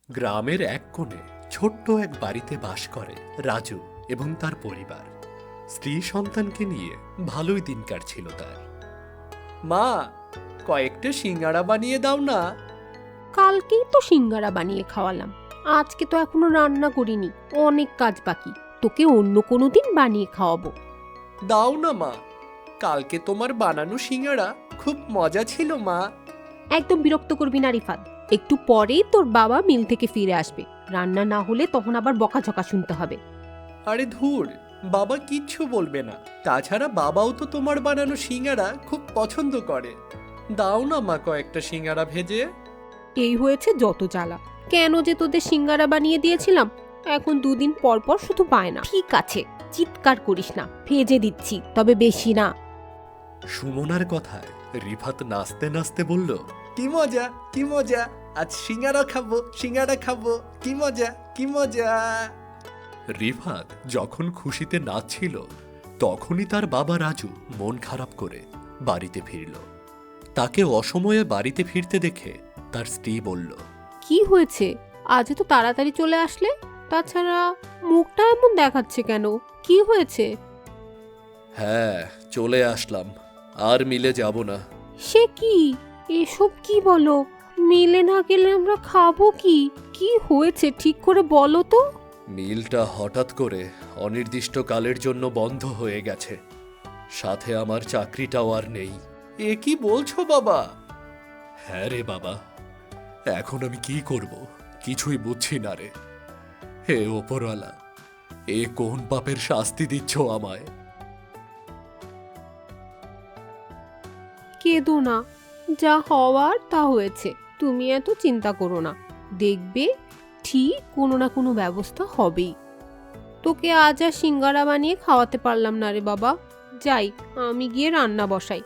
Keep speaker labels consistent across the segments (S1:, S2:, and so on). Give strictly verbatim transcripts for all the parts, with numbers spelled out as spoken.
S1: গ্রামের এক কোণে ছোট্ট এক বাড়িতে বাস করে রাজু এবং তার পরিবার। স্ত্রী সন্তানকে নিয়ে ভালোই দিন কাটছিল তার। মা, কয়েকটা সিঙ্গাড়া বানিয়ে দাও না।
S2: কালকেই তো সিঙ্গারা বানিয়ে খাওয়ালাম, আজকে তো এখনো রান্না করিনি, অনেক কাজ বাকি। তোকে অন্য কোনো দিন বানিয়ে খাওয়াবো।
S1: দাও না মা, কালকে তোমার বানানো সিঙ্গাড়া খুব মজা ছিল মা।
S2: একদম বিরক্ত করবি না রিফাত, একটু পরেই তোর বাবা মিল থেকে ফিরে আসবে, রান্না না হলে তখন আবার বকাঝকা শুনতে হবে।
S1: আরে ধুর, বাবা কিচ্ছু বলবে না। তাছাড়া বাবাও তো তোমার বানানো সিঙ্গাড়া খুব পছন্দ করে। দাও না মা কয়েকটা সিঙ্গাড়া ভেজে।
S2: এই হয়েছে যত জ্বালা, কেন যে তোদের সিঙ্গারা বানিয়ে দিয়েছিলাম, এখন দুদিন পর পর শুধু পায় না। ঠিক আছে, চিৎকার করিস না, ভেজে দিচ্ছি, তবে বেশি না।
S1: সুমনার কথায় রিফাত নাচতে নাচতে বলল, কি মজা কি মজা, আজ সিঙ্গারা খাবো সিঙ্গারা খাবো, কি মজা কি মজা। রিফাত যখন খুশিতে নাচছিল তখনই তার বাবা রাজু মন খারাপ করে বাড়িতে ফিরল। তাকে অসময়ে বাড়িতে ফিরতে দেখে তার স্ত্রী বলল,
S2: কি হয়েছে, আজ তো তাড়াতাড়ি চলে আসলে? তাছাড়া মুখটা এমন দেখাচ্ছে কেন, কি হয়েছে?
S1: হ্যাঁ, চলে আসলাম, আর মিলে যাব না।
S2: সে কি, এসব কি বলো? মিলে না গেলে আমরা খাবো কি? কি হয়েছে ঠিক করে বলো তো।
S1: মিলটা হঠাৎ করে অনির্দিষ্টকালের জন্য বন্ধ হয়ে গেছে, সাথে আমার চাকরিটাও আর নেই। এ কি বলছো বাবা? হ্যাঁ রে বাবা, এখন আমি কি করব কিছুই বুঝছি না রে। হে ওপরওয়ালা, এ কোন পাপের শাস্তি দিচ্ছ আমায়?
S2: কেঁদো না, যা হওয়ার তা হয়েছে, তুমি এত চিন্তা করো না, দেখবে ঠিক কোনো না কোনো ব্যবস্থা হবেই। তোকে আজ আর সিঙ্গারা বানিয়ে খাওয়াতে পারলাম না রে বাবা, যাই আমি গিয়ে রান্না বসাই।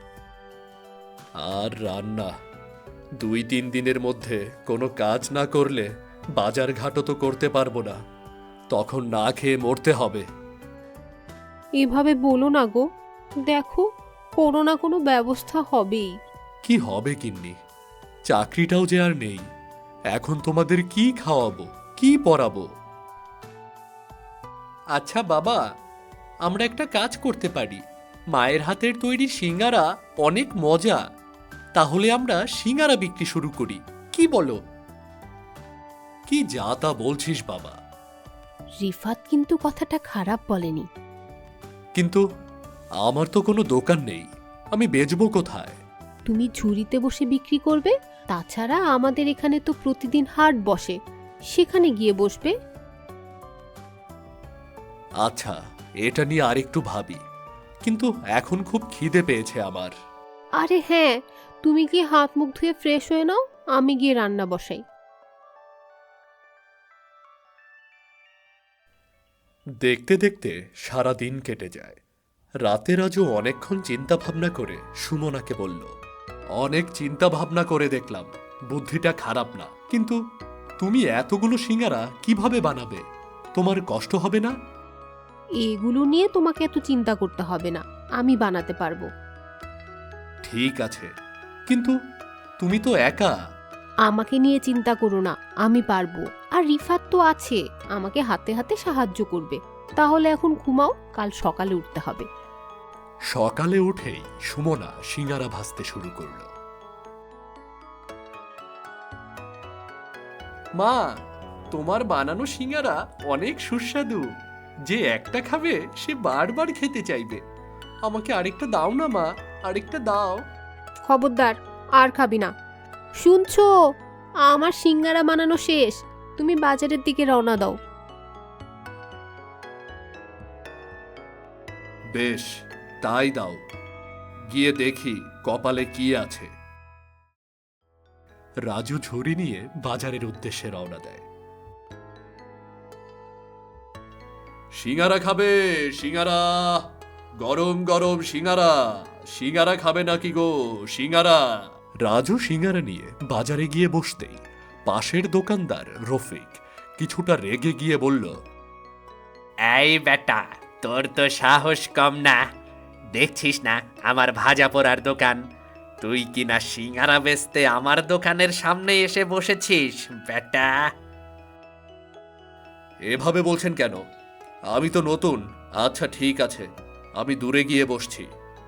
S1: আর রান্না? দুই তিন দিনের মধ্যে কোনো কাজ না করলে বাজার ঘাটও তো করতে পারবো না, তখন না খেয়ে মরতে হবে।
S2: এভাবে বলো না গো, দেখো কোনো না কোনো ব্যবস্থা হবেই।
S1: কি হবে গিন্নি, চাকরিটাও যে আর নেই, এখন তোমাদের কি খাওয়াবো কি পরাবো? আচ্ছা বাবা, আমরা একটা কাজ করতে পারি, মায়ের হাতের তৈরি সিঙ্গারা অনেক মজা, তাহলে আমরা সিঙ্গারা বিক্রি শুরু করি, কি বলো? কি যা তা বলছিস বাবা?
S2: রিফাত কিন্তু কথাটা খারাপ বলেনি।
S1: কিন্তু আমার তো কোনো দোকান নেই, আমি বেচবো কোথায়?
S2: তুমি ঝুড়িতে বসে বিক্রি করবে, তাছাড়া আমাদের এখানে তো প্রতিদিন হাট বসে, সেখানে গিয়ে বসবে।
S1: আচ্ছা, এটা নিয়ে আরেকটু ভাবি, কিন্তু এখন খুব খিদে পেয়েছে আমার।
S2: আরে হ্যাঁ, তুমি গিয়ে হাত মুখ ধুয়ে ফ্রেশ হয়ে নাও, আমি গিয়ে রান্না বসাই।
S1: দেখতে দেখতে সারা দিন কেটে যায়। রাতে রাজু অনেকক্ষণ চিন্তা ভাবনা করে সুমনাকে বলল, অনেক চিন্তা ভাবনা করে দেখলাম বুদ্ধিটা খারাপ না, কিন্তু তুমি এতগুলো সিঙ্গারা কিভাবে বানাবে? তোমার কষ্ট হবে না?
S2: এগুলো নিয়ে তোমাকে এত চিন্তা করতে হবে না, আমি বানাতে পারবো।
S1: ঠিক আছে, কিন্তু তুমি তো একা।
S2: আমাকে নিয়ে চিন্তা করো না, আমি পারবো। আর রিফাত তো আছে, আমাকে হাতে হাতে সাহায্য করবে। তাহলে এখন ঘুমাও, কাল সকালে উঠতে হবে।
S1: সকালে উঠেই সুমনা সিঙ্গারা ভাজতে শুরু করল। মা, তোমার বানানো সিঙ্গারা অনেক সুস্বাদু, যে একটা খাবে সে বারবার খেতে চাইবে। আমাকে আরেকটা দাও না মা, আরেকটা দাও।
S2: খবরদার, আর খাবি না। শুনছো, আমার সিঙ্গারা বানানো শেষ, তুমি বাজারের দিকে রওনা দাও।
S1: বেশ, তাই দাও, গিয়ে দেখি কপালে কি আছে। রাজু ঝুড়ি নিয়ে বাজারের উদ্দেশ্যে রওনা দেয়। সিঙ্গারা খাবে? সিঙ্গারা, গরম গরম সিঙ্গারা। সিঙ্গারা খাবে নাকি গো? সিঙ্গারা। রাজু সিঙ্গারা নিয়ে বাজারে গিয়ে বসতেই পাশের দোকানদার রফিক কিছুটা রেগে গিয়ে বলল,
S3: এই বেটা, তোর তো সাহস কম না, দেখছিস না আমার ভাজা পোড়ার দোকান, তুই কিনা সিঙ্গারা বেচতে আমার দোকানের সামনে এসে বসেছিস বেটা।
S1: এভাবে বলছেন কেন? আমি তো নতুন। আচ্ছা ঠিক আছে, আমি দূরে গিয়ে বসছি।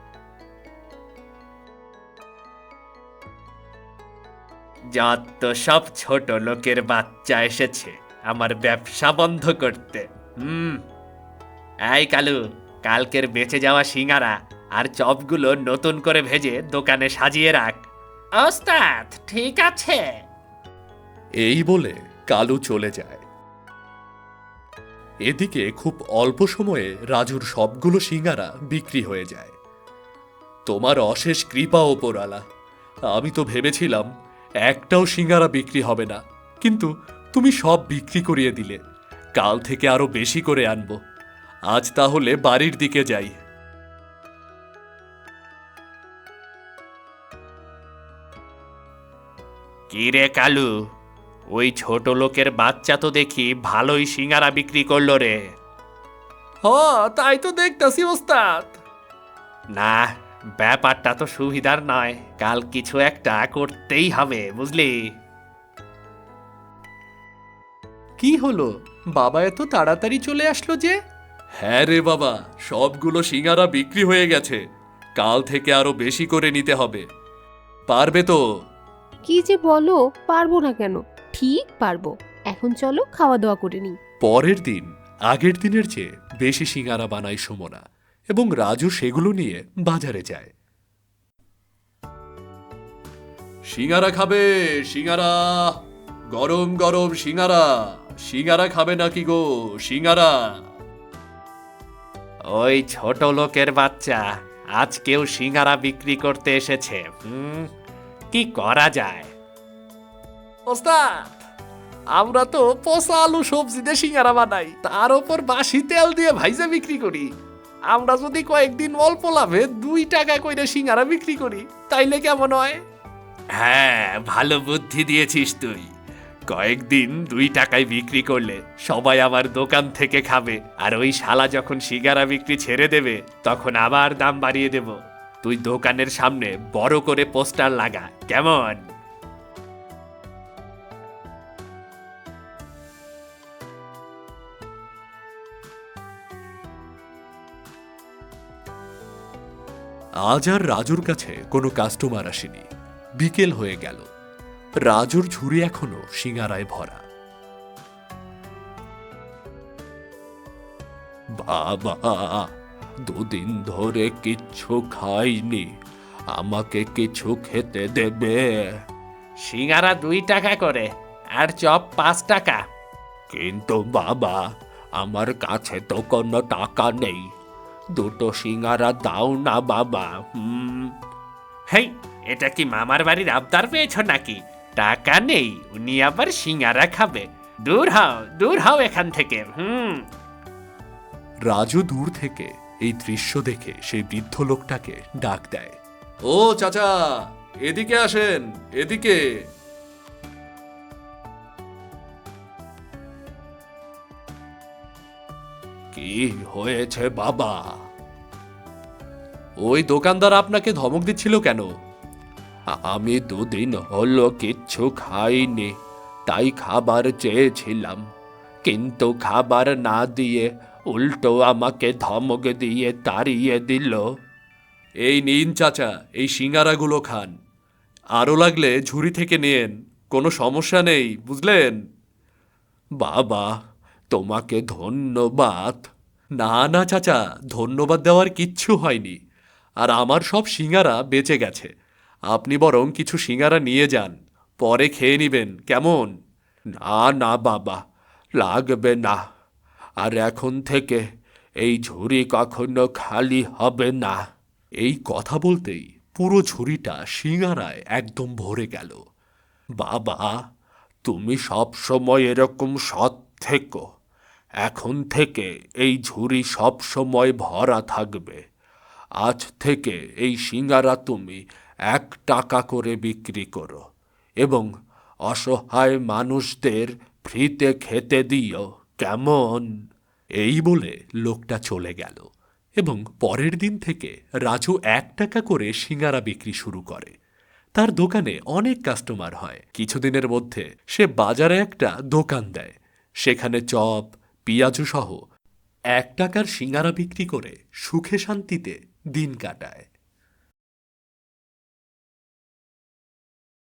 S3: যত সব ছোট লোকের বাচ্চা এসেছে আমার ব্যবসা বন্ধ করতে। হুম, এই কালু, কালকের বেঁচে যাওয়া সিঙ্গারা আর চপগুলো নতুন করে ভেজে দোকানে সাজিয়ে রাখ। ওস্তাদ ঠিক আছে।
S1: এই বলে কালু চলে যায়। এদিকে খুব অল্প সময়ে রাজুর সবগুলো সিঙ্গারা বিক্রি হয়ে যায়। তোমার অশেষ কৃপা ওপরওয়ালা। আমি তো ভেবেছিলাম একটাও সিঙ্গারা বিক্রি হবে না, কিন্তু তুমি সব বিক্রি করিয়ে দিলে। কাল থেকে আরো বেশি করে আনবো। আজ তাহলে বাড়ির দিকে যাই।
S3: কি রে কালু, ওই ছোট লোকের বাচ্চা তো দেখি ভালোই সিঙ্গারা বিক্রি করলো রে।
S1: হ, তাই তো দেখতাছি ওস্তাদ।
S3: না, ব্যাপারটা তো সুবিধার নয়। কাল কিছু একটা করতেই হবে, বুঝলি?
S1: কি হলো, বাবা এত তাড়াতাড়ি চলে আসলো যে? হ্যাঁ রে বাবা, সবগুলো সিঙ্গারা বিক্রি হয়ে গেছে। কাল থেকে আরো বেশি করে নিতে হবে। পারবে তো?
S2: কি যে বলো, পারবো না কেন? ঠিক পারবো। এখন চলো খাওয়া দাওয়া করে নিই।
S1: পরের দিন আগের দিনের চেয়ে বেশি সিঙ্গারা বানায় সুমনা, এবং রাজু সেগুলো নিয়ে বাজারে যায়। সিঙ্গারা খাবে? সিঙ্গারা, গরম গরম সিঙ্গারা। সিঙ্গারা খাবে নাকি গো? সিঙ্গারা।
S3: ওই ছোট লোকের বাচ্চা আজকেও সিঙ্গারা বিক্রি করতে এসেছে। হুম, কি করা যায়?
S1: ওস্তাদ, আমরা তো পচা আলু সবজি দিয়ে সিঙ্গারা বানাই, তার উপর বাসি তেল দিয়ে ভাইজা বিক্রি করি। আমরা যদি কয়েকদিন অল্প লাভে দুই টাকা কইরে সিঙ্গারা বিক্রি করি, তাইলে কেমন হয়?
S3: হ্যাঁ, ভালো বুদ্ধি দিয়েছিস তুই। কয়েকদিন দুই টাকায় বিক্রি করলে সবাই আমার দোকান থেকে খাবে, আর ওই শালা যখন সিঙ্গারা বিক্রি ছেড়ে দেবে তখন আবার দাম বাড়িয়ে দেব। তুই দোকানের সামনে বড় করে পোস্টার লাগা, কেমন?
S1: আজ আর রাজুর কাছে কোনো কাস্টমার আসেনি। বিকেল হয়ে গেল। রাজুর ঝুড়ি এখনো সিঙ্গারায় ভরা। বাবা, দুদিন ধরে কিচ্ছু খাইনি, আমাকে কিছু খেতে দেবে?
S3: সিঙ্গারা দুই টাকা করে আর চপ পাঁচ টাকা।
S1: কিন্তু বাবা, আমার কাছে তো কোনো টাকা নেই। দুটো সিঙ্গারা দাও না বাবা।
S3: হুম, হেই, এটা কি মামার বাড়ির আবদার পেয়েছ নাকি? টাকা নেই, উনি আবার সিঙ্গারা খাবে? দূর হও, দূর হও এখান থেকে। হুম।
S1: রাজু দূর থেকে এই দৃশ্য দেখে সেই বৃদ্ধ লোকটাকে ডাক দেয়। ও চাচা, এদিকে আসেন, এদিকে। কি হয়েছে বাবা? ওই দোকানদার আপনাকে ধমক দিচ্ছিল কেন? আমি দুদিন হলো কিচ্ছু খাইনি, তাই খাবার চেয়েছিলাম, কিন্তু খাবার না দিয়ে উল্টো আমাকে ধমক দিয়ে তাড়িয়ে দিল। এই নিন চাচা, এই সিঙ্গারাগুলো খান। আরও লাগলে ঝুড়ি থেকে নিন, কোনো সমস্যা নেই, বুঝলেন? বাবা, তোমাকে ধন্যবাদ। না না চাচা, ধন্যবাদ দেওয়ার কিচ্ছু হয়নি। আর আমার সব সিঙ্গারা বেঁচে গেছে। আপনি বরং কিছু সিঙ্গারা নিয়ে যান, পরে খেয়ে নিবেন, কেমন? না না বাবা, লাগবে না। আর এখন থেকে এই ঝুড়ি কখনো খালি হবে না। এই কথা বলতেই পুরো ঝুড়িটা সিঙ্গারায় একদম ভরে গেল। বাবা, তুমি সব সময় এরকম সৎ থেকো। এখন থেকে এই ঝুড়ি সব সময় ভরা থাকবে। আজ থেকে এই সিঙ্গারা তুমি এক টাকা করে বিক্রি করো, এবং অসহায় মানুষদের ফ্রিতে খেতে দিও, কেমন? এই বলে লোকটা চলে গেল, এবং পরের দিন থেকে রাজু এক টাকা করে সিঙ্গারা বিক্রি শুরু করে। তার দোকানে অনেক কাস্টমার হয়। কিছুদিনের মধ্যে সে বাজারে একটা দোকান দেয়। সেখানে চপ, পিঁয়াজু সহ এক টাকার সিঙ্গারা বিক্রি করে সুখে শান্তিতে দিন কাটায়।